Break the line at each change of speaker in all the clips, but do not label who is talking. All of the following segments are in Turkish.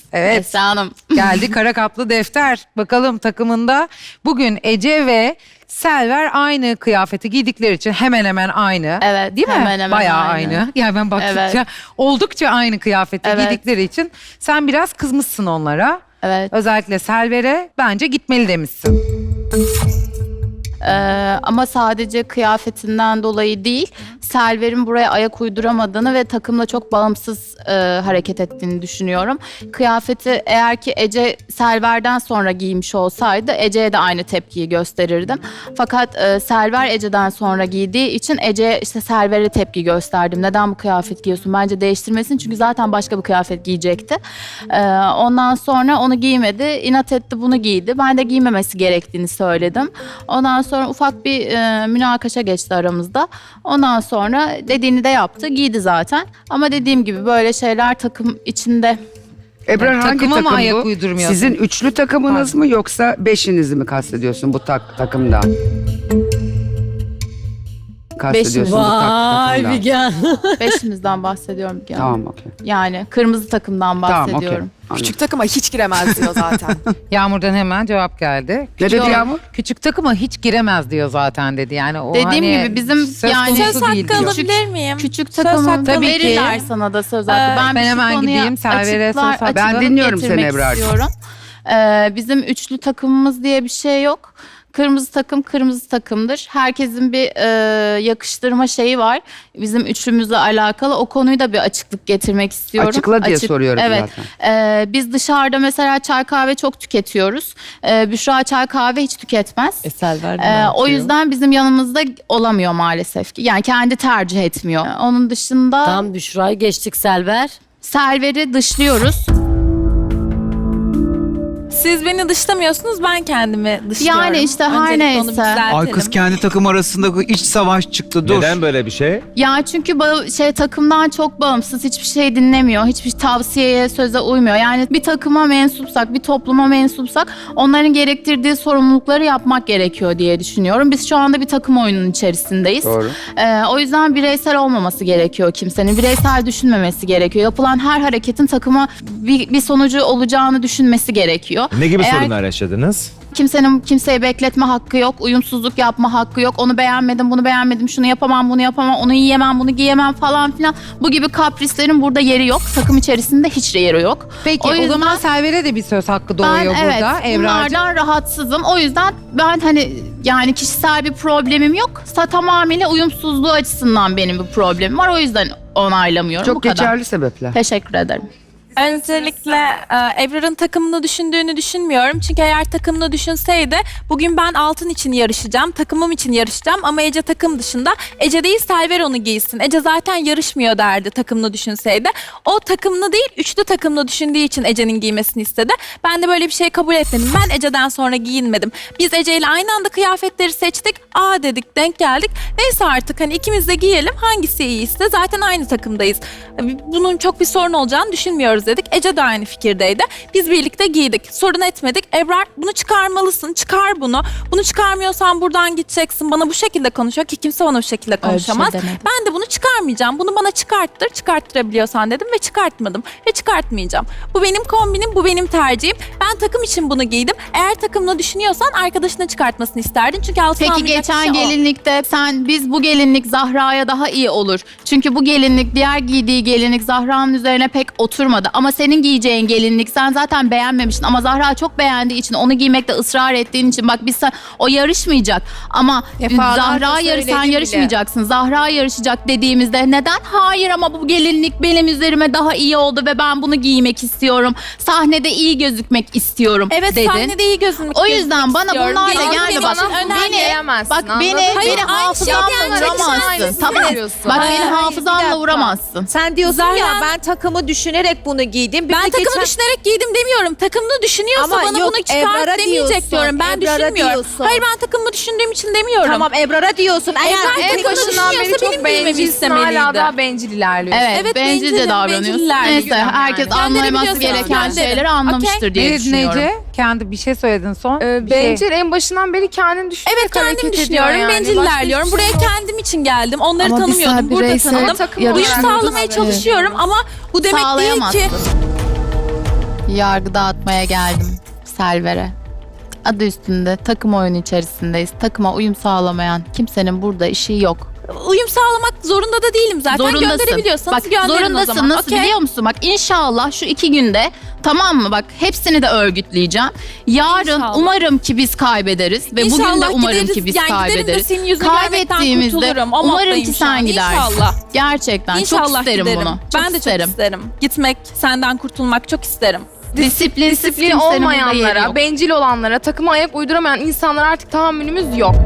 Evet.
Esra Hanım.
Geldi kara kaplı defter. Bakalım takımında bugün Ece ve Selver aynı kıyafeti giydikleri için hemen hemen aynı.
Evet,
Değil mi?
hemen hemen
Bayağı
aynı.
aynı. Yani ben baktıkça
Evet.
oldukça aynı kıyafeti
Evet.
giydikleri için sen biraz kızmışsın onlara.
Evet.
Özellikle Selver'e bence gitmeli demişsin.
Ama sadece kıyafetinden dolayı değil, Selver'in buraya ayak uyduramadığını ve takımla çok bağımsız hareket ettiğini düşünüyorum. Kıyafeti eğer ki Ece Selver'den sonra giymiş olsaydı Ece'ye de aynı tepkiyi gösterirdim. Fakat Selver Ece'den sonra giydiği için Ece'ye işte Selver'e tepki gösterdim. Neden bu kıyafet giyiyorsun? Bence değiştirmesin çünkü zaten başka bir kıyafet giyecekti. Ondan sonra onu giymedi, inat etti bunu giydi. Ben de giymemesi gerektiğini söyledim. Ondan sonra ufak bir münakaşa geçti aramızda. Ondan sonra dediğini de yaptı, giydi zaten. Ama dediğim gibi böyle şeyler takım içinde.
Ebrar hangi
Takıma mı
takım
ayak
bu?
uydurmuyorsun?
Sizin üçlü takımınız mı yoksa beşinizi mi kastediyorsun bu takımdan? Kastediyorsun bu
Vay
takımdan.
Figen.
Beşimizden bahsediyorum. Yani.
Tamam okey.
Yani kırmızı takımdan
Tamam okey.
bahsediyorum.
Anladım.
Küçük takıma hiç giremez diyor zaten.
Yağmur'dan hemen cevap geldi.
Ne dedi
Yok.
Yağmur?
Küçük takıma hiç giremez diyor zaten dedi. Yani o
Dediğim
hani
gibi bizim
söz
yani-
konusu
Söz
değil
hakkı
diyor.
alabilir miyim?
Küçük
Söz
takımın
hakkı
tabii ki.
verirler sana da söz hakkı.
Ben
şu
hemen
konuya
gideyim, Selver'e söz hakkı.
Ben
açıklık
dinliyorum seni
getirmek
Ebrar'cığım.
istiyorum. Bizim üçlü takımımız diye bir şey yok. Kırmızı takım kırmızı takımdır. Herkesin bir yakıştırma şeyi var. Bizim üçlümüzle alakalı. O konuyu da bir açıklık getirmek istiyorum.
Açıkla diye soruyorum
evet.
zaten.
Biz dışarıda mesela çay kahve çok tüketiyoruz. Büşra çay kahve hiç tüketmez.
Selver
O yüzden bizim yanımızda olamıyor maalesef ki. Yani kendi tercih etmiyor. Onun dışında
Tam Büşra'yı geçtik Selver.
Selver'i dışlıyoruz.
Siz beni dışlamıyorsunuz, ben kendimi dışlıyorum.
Yani işte her
Öncelikle onu
neyse.
düzeltelim.
Ay kız kendi takım arasında iç savaş çıktı. Dur.
Neden böyle bir şey?
Ya çünkü takımdan çok bağımsız, hiçbir şey dinlemiyor, hiçbir tavsiyeye, söze uymuyor. Yani bir takıma mensupsak, bir topluma mensupsak onların gerektirdiği sorumlulukları yapmak gerekiyor diye düşünüyorum. Biz şu anda bir takım oyunun içerisindeyiz.
Doğru.
O yüzden bireysel olmaması gerekiyor kimsenin. Bireysel düşünmemesi gerekiyor. Yapılan her hareketin takıma bir sonucu olacağını düşünmesi gerekiyor.
Ne gibi
Eğer
sorunlar yaşadınız?
Kimsenin kimseye bekletme hakkı yok, uyumsuzluk yapma hakkı yok. Onu beğenmedim, bunu beğenmedim, şunu yapamam, bunu yapamam, onu yiyemem, bunu giyemem falan filan. Bu gibi kaprislerin burada yeri yok. Takım içerisinde hiç yeri yok.
Peki o,
yüzden
zaman Selver'e de bir söz hakkı
ben
doğuyor
evet
burada Evrar'cığım.
bunlardan rahatsızım. O yüzden ben yani kişisel bir problemim yok. Tamamıyla uyumsuzluğu açısından benim bir problemim var. O yüzden onaylamıyorum.
Çok
Bu kadar.
geçerli sebepler.
Teşekkür ederim.
Öncelikle Ebrar'ın takımını düşündüğünü düşünmüyorum. Çünkü eğer takımını düşünseydi bugün ben altın için yarışacağım, takımım için yarışacağım ama Ece takım dışında. Ece değil Selver onu giysin. Ece zaten yarışmıyor derdi takımını düşünseydi. O takımını değil üçlü takımını düşündüğü için Ece'nin giymesini istedi. Ben de böyle bir şey kabul etmedim. Ben Ece'den sonra giyinmedim. Biz Ece ile aynı anda kıyafetleri seçtik. Aa dedik, denk geldik. Neyse artık hani ikimiz de giyelim. Hangisi iyiyse zaten aynı takımdayız. Bunun çok bir sorun olacağını düşünmüyoruz dedik. Ece de aynı fikirdeydi. Biz birlikte giydik. Sorun etmedik. Ebrar bunu çıkarmalısın. Çıkar bunu. Bunu çıkarmıyorsan buradan gideceksin. Bana bu şekilde konuşuyor ki kimse bana bu şekilde konuşamaz.
demedim.
Ben de bunu çıkarmayacağım. Bunu bana çıkarttır. Çıkarttırabiliyorsan dedim ve çıkartmadım. Ve çıkartmayacağım. Bu benim kombinim. Bu benim tercihim. Ben takım için bunu giydim. Eğer takımla düşünüyorsan arkadaşına çıkartmasını isterdin. Çünkü altına
Peki
almayacak
geçen
kişi o.
gelinlikte biz bu gelinlik Zahra'ya daha iyi olur. Çünkü bu gelinlik diğer giydiği gelinlik Zahra'nın üzerine pek oturmadı. Ama senin giyeceğin gelinlik sen zaten beğenmemiştin. Ama Zahra çok beğendiği için onu giymekte ısrar ettiğin için bak o yarışmayacak. Ama Zahra sen yarışmayacaksın. Zahra yarışacak dediğimizde neden? Hayır ama bu gelinlik benim üzerime daha iyi oldu ve ben bunu giymek istiyorum. Sahnede iyi gözükmek istiyorum
Evet
dedin.
sahnede iyi gözükmek
O yüzden bana
istiyorum.
bunlarla
Benim
gelme
için
bak.
önemli.
Beni hafızamla vuramazsın. Tamam. Bak beni hafızamla vuramazsın.
Sen diyorsun
Zahra-
ya ben takımı düşünerek bunu giydim. Bir
Ben
de
takımı
geçen-
düşünerek giydim demiyorum. Takımını düşünüyorsa
Ama
bana
yok,
bunu çıkart
Ebrar'a
demeyecek
diyorsun,
diyorum. Ben
Ebrar'a
düşünmüyorum.
diyorsun.
Hayır ben takımı düşündüğüm için demiyorum.
Tamam Ebrar'a diyorsun.
Ebrar
Eğer
takımını düşünüyorsa benim giymemi istemeliydi.
Hala daha bencil ilerliyorsun.
Evet,
Evet,
bencilce
bencilim,
davranıyorsun.
benciller
Neyse
diyorum yani.
herkes
Kendini
anlaması
biliyorsun,
gereken
kendini.
şeyleri anlamıştır diye
Ne dedin
düşünüyorum.
Ece? Kendi bir şey söyledin son. Bir
Bencil en başından beri kendini düşünerek
Evet kendim
hareket
düşünüyorum.
ediyor yani.
Bencil
Başka
ilerliyorum.
hiçbir
Buraya
şey yok.
kendim için geldim. Onları
Ama biz
tanımıyordum. Burada
bireysel
tanıdım.
takım
Uyum
yarışıyoruz.
sağlamaya çalışıyorum ama bu demek değil ki...
Sağlayamazsın. Yargı dağıtmaya geldim Selver'e. Adı üstünde takım oyunu içerisindeyiz. Takıma uyum sağlamayan kimsenin burada işi yok.
Uyum sağlamak zorunda da değilim zaten.
Zorundasın.
Gönderebiliyorsanız
Bak
gönderin
zorundasın.
o zaman.
Nasıl
Okey?
biliyor musun? Bak inşallah şu 2 günde, tamam mı? Bak hepsini de örgütleyeceğim. Yarın
İnşallah.
umarım ki biz kaybederiz ve bugün de
İnşallah
umarım
gideriz.
ki biz
Yani giderim de
kaybederiz.
senin yüzünü görmekten
Kaybettiğimizde
kurtulurum. O
umarım
moddayım
ki
şu an.
sen gidersin.
İnşallah.
Gerçekten
İnşallah
çok isterim
giderim.
bunu. Çok
Ben de
isterim.
çok isterim. Gitmek, senden kurtulmak çok isterim.
Disiplinsiz
Disiplin
kimsenin burada yeri
olmayanlara,
yok.
bencil olanlara, takıma ayak uyduramayan insanlara artık tahammülümüz yok.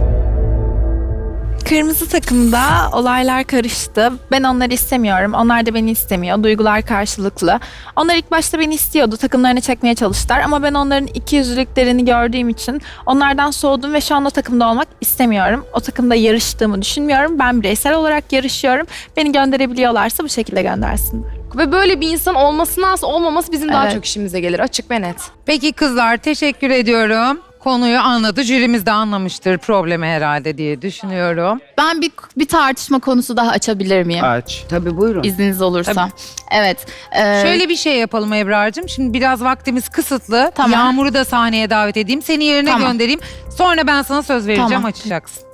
Kırmızı takımda olaylar karıştı. Ben onları istemiyorum. Onlar da beni istemiyor. Duygular karşılıklı. Onlar ilk başta beni istiyordu. Takımlarını çekmeye çalıştılar. Ama ben onların ikiyüzlülüklerini gördüğüm için onlardan soğudum ve şu an o takımda olmak istemiyorum. O takımda yarıştığımı düşünmüyorum. Ben bireysel olarak yarışıyorum. Beni gönderebiliyorlarsa bu şekilde göndersinler.
Ve böyle bir insan olmasına olmaması bizim daha
Evet.
çok işimize gelir, açık ve net.
Peki kızlar, teşekkür ediyorum. Konuyu anladı. Jürimiz de anlamıştır problemi herhalde diye düşünüyorum.
Ben bir tartışma konusu daha açabilir miyim?
Aç.
Tabii buyurun.
İzniniz olursa.
Tabii.
Evet.
Şöyle bir şey yapalım Ebrar'cığım. Şimdi biraz vaktimiz kısıtlı.
Tamam.
Yağmur'u da sahneye davet edeyim. Seni yerine
Tamam.
göndereyim. Sonra ben sana söz vereceğim,
Tamam.
açacaksın.